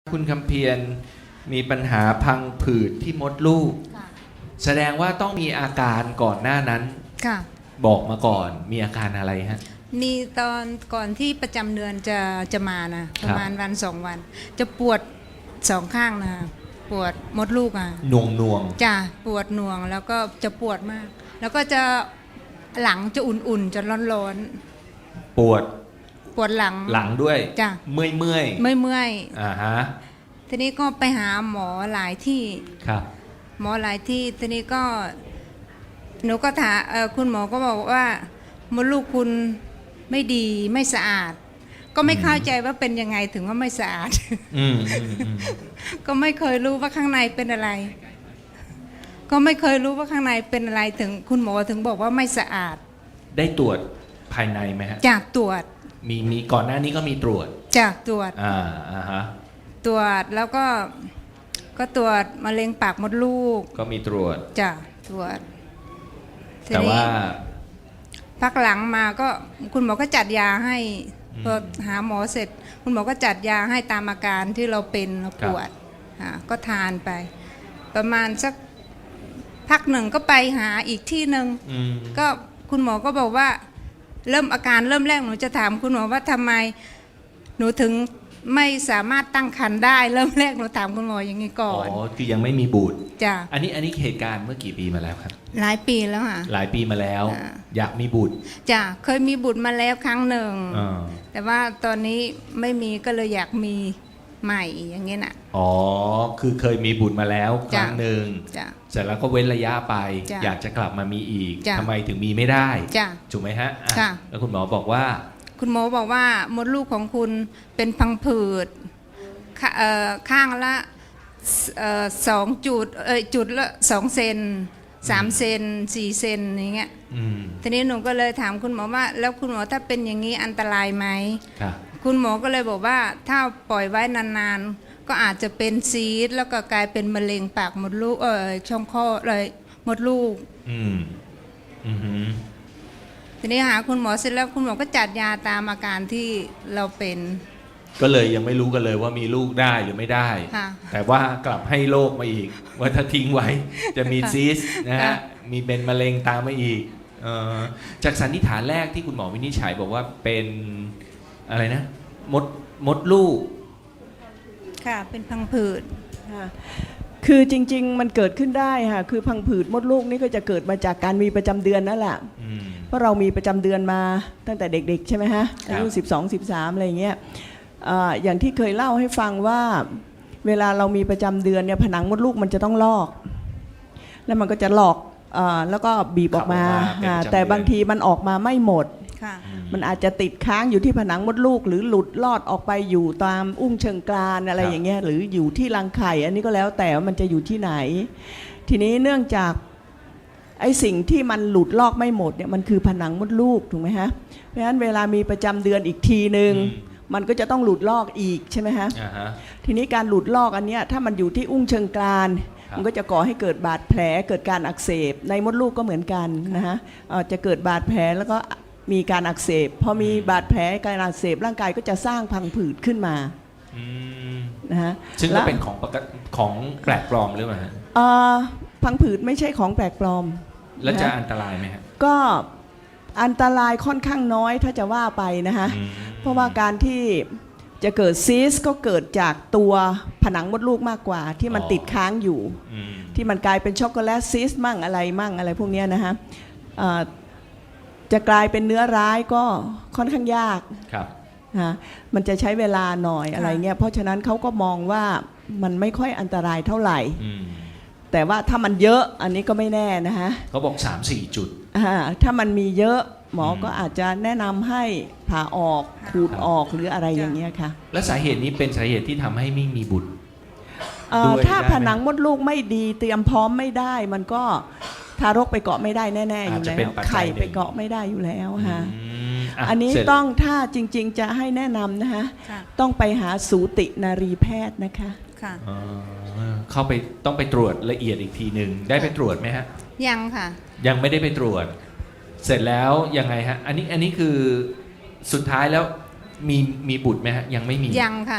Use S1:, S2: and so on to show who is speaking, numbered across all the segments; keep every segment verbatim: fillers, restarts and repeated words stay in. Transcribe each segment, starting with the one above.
S1: คุณคำเพียรมีปัญหาพังผืดที่มดลูก
S2: ค่ะ
S1: แสดงว่าต้องมีอาการก่อนหน้านั้น
S2: ค่ะ
S1: บอกมาก่อนมีอาการอะไรฮะ
S2: มีตอนก่อนที่ประจำเดือนจะจะมานะประมาณวันสองวัน จะปวดสองข้างนะปวดมดลูกอ่ะ
S1: หน่วงหน่วง
S2: จะปวดหน่วงแล้วก็จะปวดมาก แล้วก็จะหลังจะอุ่นๆจะร้อน
S1: ปวด
S2: ๆปวดหลัง
S1: หลังด้วย
S2: จ้ะ
S1: เมื่อยเมื่อย
S2: ไม่เมื่อย
S1: อ่าฮะ
S2: ทีนี้ก็ไปหาหมอหลายที่
S1: ครับ
S2: หมอหลายที่ทีนี้ก็หนูก็ถามเอ่อคุณหมอก็บอกว่ามดลูกคุณไม่ดีไม่สะอาด ก็ไม่เข้าใจว่าเป็นยังไงถึงว่าไม่สะอาด
S1: อืมอืมอืม
S2: ก็ไม่เคยรู้ว่าข้างในเป็นอะไร ก็ไม่เคยรู้ว่าข้างในเป็นอะไรถึงคุณหมอถึงบอกว่าไม่สะอาด
S1: ได้ตรวจภายในไหมฮะ
S2: จากตรวจ
S1: มีมีก่อนหน้านี้ก็มีตรวจ
S2: จากตรวจ
S1: อ่าอ่าฮะ
S2: ตรวจแล้วก็ก็ตรวจมะเร็งปากมดลูก
S1: ก็มีตรวจ
S2: จากตรวจที
S1: แต่
S2: นี้
S1: ว่า
S2: พักหลังมาก็คุณหมอก็จัดยาให้
S1: อืม
S2: พอหาหมอเสร็จ คุณหมอก็จัดยาให้ตามอาการที่เราเป็นเราปวดอ่าก็ทานไป ประมาณสักพักหนึ่งก็ไปหาอีกที่หนึ่ง
S1: อืม
S2: ก็คุณหมอก็บอกว่าเริ่มอาการเริ่มแรกหนูจะถามคุณหมอว่าทำไมหนูถึงไม่สามารถตั้งครรภ์ได้ เริ่มแรกหนูถามคุณหมออย่างนี้ก่
S1: อ๋
S2: อ
S1: อน คือยังไม่มีบุตร
S2: จ้ะ
S1: อันนี้อันนี้เหตุการณ์เมื่อกี่ปีมาแล้วครับ
S2: หลายปีแล้วค่ะ
S1: หลายปีมาแล้ว
S2: อ่า
S1: อยากมีบุตร
S2: จ้ะเคยมีบุตรมาแล้วครั้งหนึ่ง
S1: อ่า
S2: แต่ว่าตอนนี้ไม่มีก็เลยอยากมีใหม่อย่างเงี้ยน่ะ
S1: อ๋อ คือเคยมีบุตรมาแล้วค
S2: จ้ะ
S1: รั้งหนึ่ง
S2: จ้ะ
S1: เสร็จแล้วก็เว้นระยะไป
S2: จ้ะ
S1: อยากจะกลับมามีอีก
S2: จ้ะ
S1: ทำไมถึงมีไม่ได้
S2: จ้ะ
S1: ถูกไหมฮะอ่
S2: ค่ะ
S1: แล้วคุณหมอบอกว่า
S2: คุณหมอบอกว่ามดลูกของคุณเป็นพังผืดขเอ่อข้างละเอ่อสองจุดเอยจุดละสองเซนสามเซนสี่เซนอย่างเงี้ย
S1: อืม
S2: ทีนี้หนูก็เลยถามคุณหมอว่า แล้วคุณหมอถ้าเป็นอย่างนี้อันตรายไหม
S1: ครับ
S2: คุณหมอก็เลยบอกว่าถ้าปล่อยไว้นานๆ ก็อาจจะเป็นซีสต์แล้วก็กลายเป็นมะเร็งปากมดลูกเออช่องคลอดเลยมดลูก
S1: อืม อือหือ
S2: ทีนี้หาคุณหมอเสร็จแล้วคุณหมอก็จัดยาตามอาการที่เราเป็น
S1: ก็เลยยังไม่รู้กันเลยว่ามีลูกได้หรือไม่ได้
S2: ค่ะ
S1: แต่ว่ากลับให้โรคมาอีก ว่าถ้าทิ้งไว้ จะมีซีสต์นะฮะ
S2: ค่ะ
S1: มีเป็นมะเร็งตามมาอีกเอ่อจากสันนิษฐานแรกที่คุณหมอวินิจฉัยบอกว่าเป็นอะไรนะ มดมดลูก
S2: ค่ะเป็นพังผืด
S3: ค่ะคือจริงๆ มันเกิดขึ้นได้ค่ะ คือพังผืดมดลูกนี่ก็จะเกิดมาจากการมีประจำเดือนนั่นแหละ
S1: อืม
S3: เพราะเรามีประจำเดือนมาตั้งแต่เด็กๆ ใช่ไหมฮะ
S1: ครับ
S3: อายุสิบสอง สิบสามอะไรอย่างเงี้ยอ่าอย่างที่เคยเล่าให้ฟังว่าเวลาเรามีประจำเดือนเนี่ยผนังมดลูกมันจะต้องลอก แล้วมันก็จะหลอกอาแล้วก็บีบออกมา
S1: ขับออกมาเป็น
S3: อ่า
S1: ประจำเดือน
S3: แต่บางทีมันออกมาไม่หมด
S2: ค่ะ
S3: มันอาจจะติดค้างอยู่ที่ผนังมดลูก หรือหลุดลอดออกไปอยู่ตามอุ้งเชิงกรานอะไรอย่างเงี้ยหรืออยู่ที่รังไข่ อันนี้ก็แล้วแต่ว่ามันจะอยู่ที่ไหน ทีนี้เนื่องจากไอ้สิ่งที่มันหลุดลอกไม่หมดเนี่ยมันคือผนังมดลูกถูกไหมฮะเพราะฉะนั้นเวลามีประจำเดือนอีกทีหนึ่ง
S1: อืม
S3: มันก็จะต้องหลุดลอกอีกใช่ไหมฮะ
S1: อ่าฮะ
S3: ทีนี้การหลุดลอกอันเนี้ยถ้ามันอยู่ที่อุ้งเชิงกราน
S1: ครับ
S3: มันก็จะก่อให้เกิดบาดแผลเกิดการอักเสบในมดลูกก็เหมือนกันนะฮะเอ่อจะเกิดบาดแผลแล้วก็มีการอักเสบพอมีบาดแผลการอักเสบร่างกายก็จะสร้างพังผืดขึ้นมา
S1: อืม
S3: นะฮะ
S1: ซึ่งก็
S3: และ
S1: เป็นของปกติของแปลกปลอมหรือเปล่าฮะ
S3: เอ่อพังผืดไม่ใช่ของแปลกปลอม
S1: แล้วจะ
S3: นะ
S1: อันตรายไหมฮะ
S3: ก็อันตรายค่อนข้างน้อยถ้าจะว่าไปนะฮะ
S1: อืม
S3: เพราะว่าการที่จะเกิดซีสต์ก็เกิดจากตัวผนังมดลูกมากกว่า ที่มันติดค้างอยู่
S1: อืม
S3: ที่มันกลายเป็นช็อกโกแลตซีสต์มั่งอะไรมั่งอะไรพวกเนี้ยนะฮะเอ่อจะกลายเป็นเนื้อร้ายก็ค่อนข้างยาก
S1: ครับ
S3: นะมันจะใช้เวลาหน่อยอะไรเงี้ยเพราะฉะนั้นเขาก็มองว่ามันไม่ค่อยอันตรายเท่าไหร่
S1: อืม
S3: แต่ว่าถ้ามันเยอะอันนี้ก็ไม่แน่นะฮะ
S1: เขาบอกสามสี่จุด
S3: อ่าถ้ามันมีเยอะหมออ
S1: ม
S3: ก็อาจจะแนะนำให้ผ่าออกขูด
S1: ครับ
S3: ออกหรืออะไรอย่างเงี้ยค่ะ
S1: และสาเหตุนี้เป็นสาเหตุที่ทำให้ไม่มีบุตร
S3: เอ่อ
S1: ด้วย
S3: ถ้า
S1: ได้ไหม
S3: ผนังมดลูกไม่ดีเตรียมพร้อมไม่ได้ มันก็ทารกไปเกาะไม่ได้แน่ๆอยู่
S1: อาจจะ
S3: แล้
S1: เป็น
S3: ว
S1: ปัจจัย
S3: ไข่
S1: หนึ่ง
S3: ไปเกาะไม่ได้อยู่แล้วฮะ
S1: อืมะ
S3: อันนี้
S1: เสร็จ
S3: ต้องถ้าจริงๆจะให้แนะนำนะฮะ
S2: ค่ะ
S3: ต้องไปหาสูตินารีแพทย์นะคะ
S2: ค่ะ
S1: เอ่อเข้าไปต้องไปตรวจละเอียดอีกทีหนึ่งได้ไปตรวจไหมฮะ
S2: ยังค่ะ
S1: ยังไม่ได้ไปตรวจ เสร็จแล้วยังไงฮะ อันนี้อันนี้คือสุดท้ายแล้วมีมีบุตรไหมฮะ ยังไม่มี
S2: ยังค่ะยังไม่มี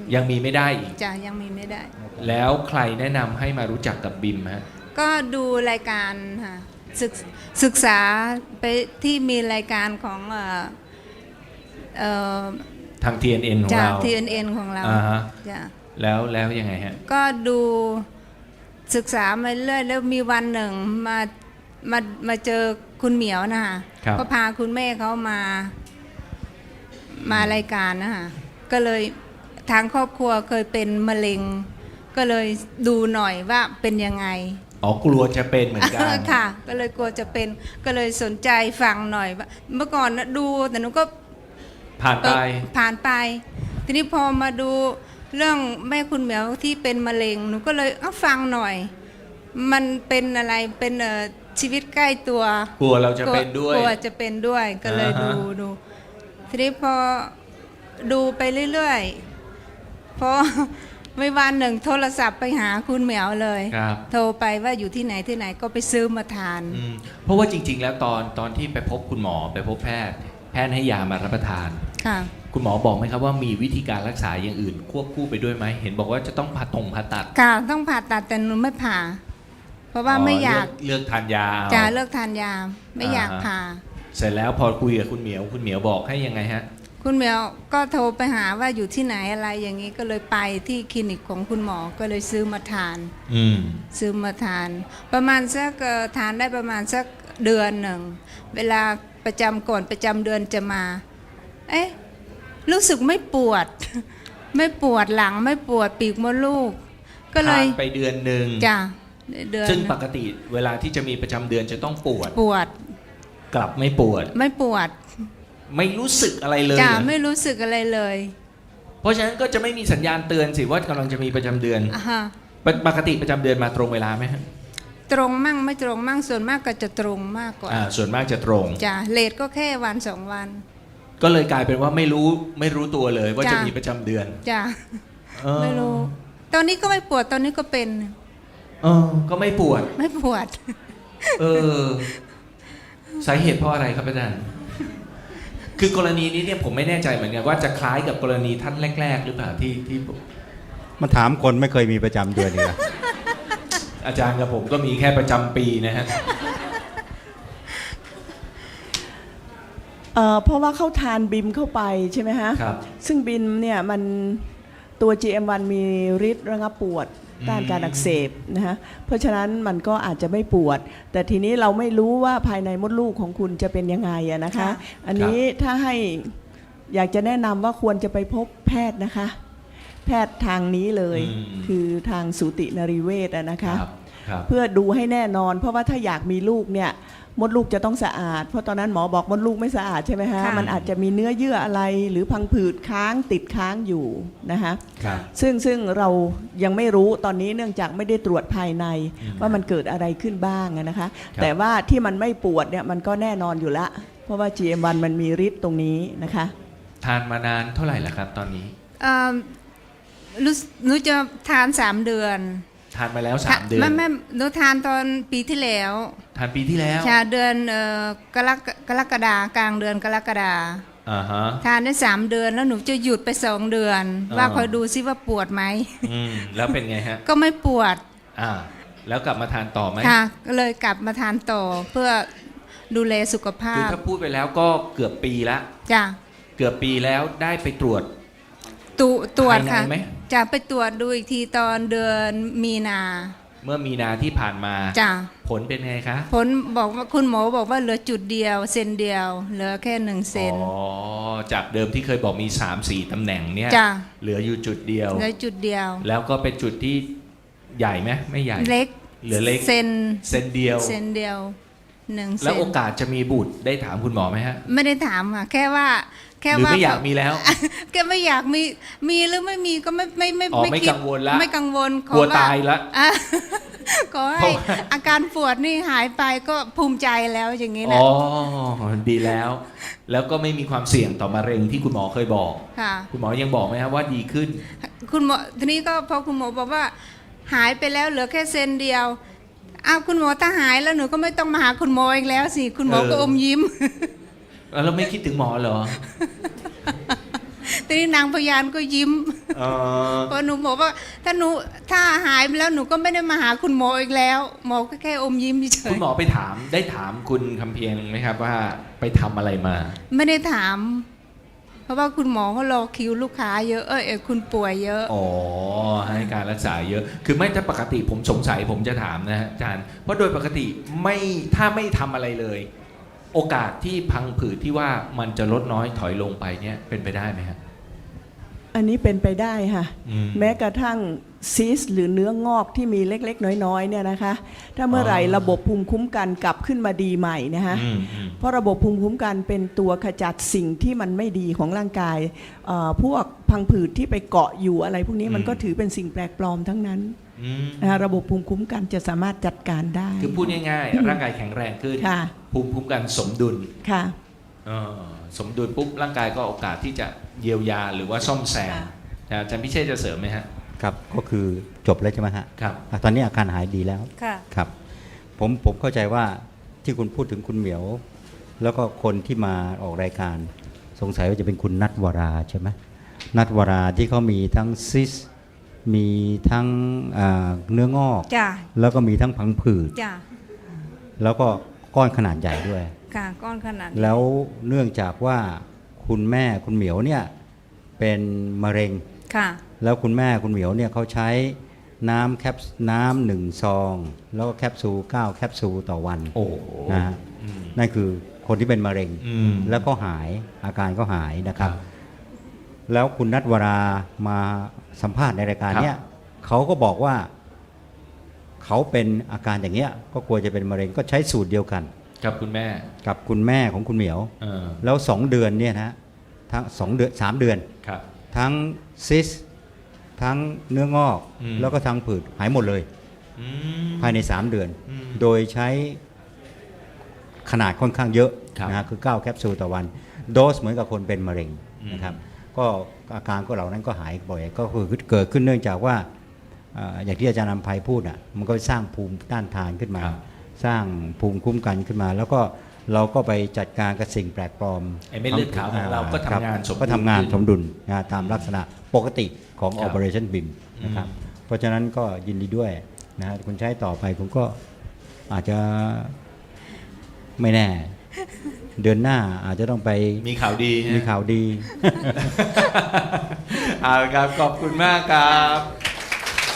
S1: ยังมีไม่ได้อีก
S2: จะยังมีไม่ได้
S1: แล้วใครแนะนำให้มารู้จักกับบิมฮะ
S2: ก็ดูรายการค่ะศึกศึกษาไปที่มีรายการของเอ่อเอ่อ
S1: ทาง ที เอ็น เอ็น ของ
S2: จาก
S1: เรา
S2: ที เอ็น เอ็น ของเรา
S1: อ่าฮะ
S2: จ้ะ
S1: แล้วแล้วยังไงฮะ
S2: ก็ดูศึกษามาเรื่อยแล้วมีวันหนึ่งมามามาเจอคุณเหมียวนะคะ
S1: ครับ
S2: ก็พาคุณแม่เขามา มารายการนะคะก็เลยทางครอบครัวเคยเป็นมะเร็ง ก็เลยดูหน่อยว่าเป็นยังไง
S1: อ๋อกลัวจะเป็นเหมือนกัน
S2: ค่ะ ก็เลยกลัวจะเป็นก็เลยสนใจฟังหน่อยว่าเมื่อก่อนนะดูแต่หนูก็
S1: ผ่านไป
S2: ผ่านไป ทีนี้พอมาดูเรื่องแม่คุณเหมียวที่เป็นมะเร็งหนูก็เลยเอาฟังหน่อย มันเป็นอะไรเป็นเอ่อชีวิตใกล้ตัว
S1: กลัวเราจะเป็นด้วย
S2: กลัวจะเป็นด้วยก็เลย
S1: อ่า
S2: ดู
S1: ฮะ
S2: ดูทีนี้พอดูไปเรื่อยๆพอ ไม่วันหนึ่งโทรศัพท์ไปหาคุณเหมียวเลย
S1: ครับ
S2: โทรไปว่าอยู่ที่ไหนที่ไหนก็ไปซื้อมาทาน
S1: อืมเพราะว่าจริง ๆ แล้วตอนตอนที่ไปพบคุณหมอไปพบแพทย์ แพทย์ให้ยามารับประทาน
S2: ค่ะ
S1: คุณหมอบอกไหมครับว่ามีวิธีการรักษาอย่างอื่น ควบคู่ไปด้วยไหมเห็นบอกว่าจะต้องผ่าตรงผ่าตัด
S2: ค่ะต้องผ่าตัดแต่หนูไม่ผ่า เพราะว่าไม่อยาก
S1: เลืเลือกทานยาเอา
S2: จะเลิกทานยาไม่อยาก
S1: อ่าฮะ
S2: ผ่า
S1: เสร็จแล้วพอคุยกับคุณเหมียวคุณเหมียวบอกให้ยังไงฮะ
S2: คุณเหมียวก็โทรไปหาว่าอยู่ที่ไหนอะไรอย่างนี้ก็เลยไปที่คลินิกของคุณหมอก็เลยซื้อมาทาน
S1: อืม
S2: ซื้อมาทาน ประมาณสักเอ่อทานได้ประมาณสักเดือนหนึ่งเวลาประจำก่อนประจำเดือนจะมา เอ๊ะรู้สึกไม่ปวด ไม่ปวดหลังไม่ปวดปีกมดลูก ก็เลย
S1: ทานไปเดือนหนึ่ง
S2: จ้ะเดือน
S1: ซึ่งปกติเวลาที่จะมีประจำเดือนจะต้องปวด
S2: ปวด
S1: กลับไม่ปวด
S2: ไม่ปวด
S1: ไม่รู้สึกอะไรเลย
S2: จ้ะ
S1: เหรอ
S2: ไม่รู้สึกอะไรเลย
S1: เพราะฉะนั้นก็จะไม่มีสัญญาณเตือนสิว่ากำลังจะมีประจำเดือน
S2: อ่าฮะ
S1: ปกปกติประจำเดือนมาตรงเวลาไหมฮะ
S2: ตรงมั่งไม่ตรงมั่งส่วนมากก็จะตรงมากกว่า
S1: อ่าส่วนมากจะตรง
S2: จ้ะเลทก็แค่วันสองวัน
S1: ก็เลยกลายเป็นว่าไม่รู้ไม่รู้ตัวเลยว่า
S2: จ้ะ
S1: จะมีประจำเดือน
S2: จ้ะ
S1: เออ
S2: ไม่รู้ ตอนนี้ก็ไม่ปวดตอนนี้ก็เป็น
S1: เออก็ไม่ปวด
S2: ไม่ปวด
S1: เออสาเหตุเพราะอะไรครับอาจารย์ คือกรณีนี้เนี่ยผมไม่แน่ใจเหมือนกันว่าจะคล้ายกับกรณีท่านแรก ๆ หรือเปล่าที่ที่
S4: มันถามคนไม่เคยมีประจำเดือนเลย
S1: อาจารย์กับผมก็มีแค่ประจำปีนะฮะ
S3: เอ่อเพราะว่าเขาทานบิมเข้าไปใช่ไหมฮะ
S1: ครับ
S3: ซึ่งบิมเนี่ยมันตัว จี เอ็ม วัน มีฤทธิ์ระงับปวดต้านการอักเสบนะฮะเพราะฉะนั้นมันก็อาจจะไม่ปวด แต่ทีนี้เราไม่รู้ว่าภายในมดลูกของคุณจะเป็นยังไงอะนะคะ
S2: ค่ะ
S3: อันนี้ถ้าให้อยากจะแนะนำว่าควรจะไปพบแพทย์นะคะ แพทย์ทางนี้เลย
S1: อืม
S3: คือทางสูตินรีเวชอะนะคะ
S1: ครับครับ
S3: เพื่อดูให้แน่นอน เพราะว่าถ้าอยากมีลูกเนี่ยมดลูกจะต้องสะอาด เพราะตอนนั้นหมอบอกมดลูกไม่สะอาดใช่ไหมฮะ
S2: ค่ะ
S3: มันอาจจะมีเนื้อเยื่ออะไรหรือพังผืดค้างติดค้างอยู่นะคะ
S1: ครับ
S3: ซึ่งซึ่งเรายังไม่รู้ตอนนี้เนื่องจากไม่ได้ตรวจภายใน
S1: อืม
S3: ว่ามันเกิดอะไรขึ้นบ้างอะนะคะ
S1: ครับ
S3: แต่ว่าที่มันไม่ปวดเนี่ยมันก็แน่นอนอยู่ละ เพราะว่า จี เอ็ม วัน มันมีฤทธิ์ตรงนี้นะคะ
S1: ทานมานานเท่าไหร่แล้วครับ ตอนนี้
S2: เอ่อรู้สึกหนูจะทานสามเดือน
S1: ทานมาแล้วสามเดือน
S2: ไม่ไม่หนูทานตอนปีที่แล้ว
S1: ทานปีที่แล้ว
S2: ชาเดือนเอ่อกรกกรกฎากลางเดือนกรกฎา
S1: อ่าฮะ
S2: ทานได้สามเดือนแล้วหนูจะหยุดไปสองเดือน
S1: อ่า
S2: ว่าคอยดูซิว่าปวดไหม
S1: อืมแล้วเป็นไงฮะ
S2: ก็ไม่ปวด
S1: อ่า แล้วกลับมาทานต่อไหม
S2: ค่ะก็เลยกลับมาทานต่อเพื่อดูแลสุขภา
S1: คือ
S2: พ
S1: ถ้าพูดไปแล้วก็เกือบปีละ
S2: จ้ะ
S1: เกือบปีแล้วได้ไปตรวจ
S2: ตุตรวจ
S1: ภายใน
S2: ค่ะ
S1: ไหม
S2: จะไปตรวจดูอีกทีตอนเดือนมีนา
S1: เมื่อมีนาที่ผ่านมา
S2: จ้ะ
S1: ผลเป็นไงคะ
S2: ผลบอกว่าคุณหมอบอกว่าเหลือจุดเดียวเซนเดียว เหลือแค่หนึ่งเซน
S1: อ๋อ จากเดิมที่เคยบอกมี สามสี่ ตำแหน่งเนี่ย
S2: จ้ะ
S1: เหลืออยู่จุดเดียว
S2: เหลือจุดเดียว
S1: แล้วก็เป็นจุดที่ใหญ่ไหมไม่ใหญ่
S2: เล็ก
S1: เหลือเล็ก
S2: เซน
S1: เซนเดียว
S2: เซนเดียวหนึ่งเซ
S1: แล้ว
S2: น
S1: โอกาสจะมีบุตรได้ถามคุณหมอไหมฮะ
S2: ไม่ได้ถามค่ะแค่ว่าแค่
S1: หรือ
S2: ว่า
S1: ไม่อยากมีแล้ว
S2: แกไม่อยากมีมีหรือไม่มีก็ไม่ไม่ไม่
S1: อ๋อไม่
S2: คิด
S1: กังวลละ
S2: ไม่กังวลข
S1: กลัว
S2: อ
S1: ตายละ
S2: อ่ะ ขอ
S1: เพ
S2: ให้
S1: ราะว่า
S2: อาการปวดนี่หายไปก็ภูมิใจแล้วอย่างนี้
S1: อ๋
S2: นะ
S1: อ ดีแล้ว แล้วก็ไม่มีความเสี่ยงต่อมะเร็งที่คุณหมอเคยบอก
S2: ค่ะ
S1: คุณหมอยังบอกไหมครับว่าดีขึ้น
S2: คุณหมอทีนี้ก็พอคุณหมอบอกว่า หายไปแล้วเหลือแค่เซนเดียวอ้าวคุณหมอถ้าหายแล้วหนูก็ไม่ต้องมาหาคุณหมออีกแล้วสิคุณหมอ
S1: เออ
S2: ก็อมยิ้ม
S1: แล้วไม่คิดถึงหมอเหรอ
S2: ทีนี้นางพยานก็ยิ้ม
S1: เออ
S2: เพราะหนูบอกว่าถ้าหนูถ้าหายไปแล้วหนูก็ไม่ได้มาหาคุณหมออีกแล้ว หมอก็แค่อมยิ้มเฉ
S1: คุ
S2: ย
S1: ณหมอไปถามได้ถามคุณคำเพียงไหมครับว่าไปทำอะไรมา
S2: ไม่ได้ถาม เพราะว่าคุณหมอเขารอคิวลูกค้าเยอะเอยเอยคุณป่วยเยอะ
S1: อ๋อให้การรักษาเยอะ คือไม่ถ้าปกติผมสงสัยผมจะถามนะฮะอาจารย์ เพราะโดยปกติไม่ถ้าไม่ทำอะไรเลย โอกาสที่พังผืดที่ว่ามันจะลดน้อยถอยลงไปเนี่ยเป็นไปได้ไหมฮะ
S3: อันนี้เป็นไปได้ค่ะ
S1: อืม
S3: แม้กระทั่งซีสต์หรือเนื้องอกที่มีเล็กๆ น้อยๆเนี่ยนะคะ ถ้าเมื่อไหร่
S1: อ๋อ
S3: ระบบภูมิคุ้มกันกลับขึ้นมาดีใหม่นะคะ
S1: อืมอืม
S3: เพราะระบบภูมิคุ้มกันเป็นตัวขจัดสิ่งที่มันไม่ดีของร่างกายเอ่อพวกพังผืดที่ไปเกาะอยู่อะไรพวกนี้มันก็ถือเป็นสิ่งแปลกปลอมทั้งนั้น
S1: อืม
S3: นะคะระบบภูมิคุ้มกันจะสามารถจัดการได้
S1: คือพูดง่ายๆ ร่างกายแข็งแรงขึ้น
S3: ค่ะ
S1: ภูมิคุ้มกันสมดุล
S3: ค่ะ
S1: เออสมดุลปุ๊บร่างกายก็โอกาสที่จะเยียวยาหรือว่าซ่อมแซม
S3: ค่ะ
S1: นะอาจารย์พิเชษจะเสริมไหมฮะ
S4: ครับก็คือจบแล้วใช่ไหมฮะ
S1: ครับ
S4: อ่ะตอนนี้อาการหายดีแล้ว
S2: ค่ะ
S4: ครับผมผมเข้าใจว่าที่คุณพูดถึงคุณเหมียว แล้วก็คนที่มาออกรายการ สงสัยว่าจะเป็นคุณนัทวราใช่ไหมนัทวราที่เขามีทั้งซิส มีทั้งอ่าเนื้องอก
S2: จ้ะ
S4: แล้วก็มีทั้งพังผืด
S2: จ้ะ
S4: แล้วก็ก้อนขนาดใหญ่ด้วย
S2: ค่ะก้อนขนาดนี้
S4: แล้วเนื่องจากว่าคุณแม่คุณเหมียวเนี่ยเป็นมะเร็ง
S2: ค่ะ
S4: แล้วคุณแม่คุณเหมียวเนี่ยเขาใช้น้ำแคปน้ำหนึ่งซอง แล้วก็แคปซูลเก้าแคปซูลต่อวัน
S1: โอ้โห
S4: นะฮะ
S1: อืม
S4: นั่นคือคนที่เป็นมะเร็ง
S1: อืม
S4: แล้วก็หายอาการก็หายนะครับ
S1: ครับ
S4: แล้วคุณนัทวรามาสัมภาษณ์ในรายการเนี้ยเขาก็บอกว่าเขาเป็นอาการอย่างเงี้ยก็กลัวจะเป็นมะเร็งก็ใช้สูตรเดียวกัน
S1: กับคุณแม่
S4: กับคุณแม่ของคุณเหมียว
S1: เออ
S4: แล้วสองเดือนเนี่ยนะทั้งสองเดือนสามเดือน
S1: ครับ
S4: ทั้งซิส ทั้งเนื้องอก
S1: อืม
S4: แล้วก็ทั้งผืดหายหมดเลย
S1: อืม
S4: ภายใน 3 เดือน
S1: อืม
S4: โดยใช้ขนาดค่อนข้างเยอะ
S1: ครับ
S4: นะฮะคือ เก้า แคปซูลต่อวัน โดสเหมือนกับคนเป็นมะเร็ง
S1: อืม
S4: นะครับก็อาการก็เหล่านั้นก็หายบ่อยก็คือเกิดขึ้นเนื่องจากว่าเอ่ออย่างที่อาจารย์นำภัยพูดอ่ะมันก็สร้างภูมิต้านทานขึ้นมา
S1: ครับ
S4: สร้างภูมิคุ้มกันขึ้นมา แล้วก็เราก็ไปจัดการกับสิ่งแปลกปลอม
S1: ไอ้เม็ดเลือดขาวของเราก็ทำงานสมดุล
S4: ก็ทำงานสมดุลนะตามลักษณะปกติของ
S1: ครับ
S4: Operation บี ไอ เอ็ม นะครับ
S1: อืม
S4: เพราะฉะนั้นก็ยินดีด้วยนะฮะคุณใช้ต่อไปคุณก็อาจจะไม่แน่ เดือนหน้าอาจจะต้องไป
S1: มีข่าวดีฮะ
S4: มีข่าวดี
S1: เอาละครับ ขอบคุณมากครับ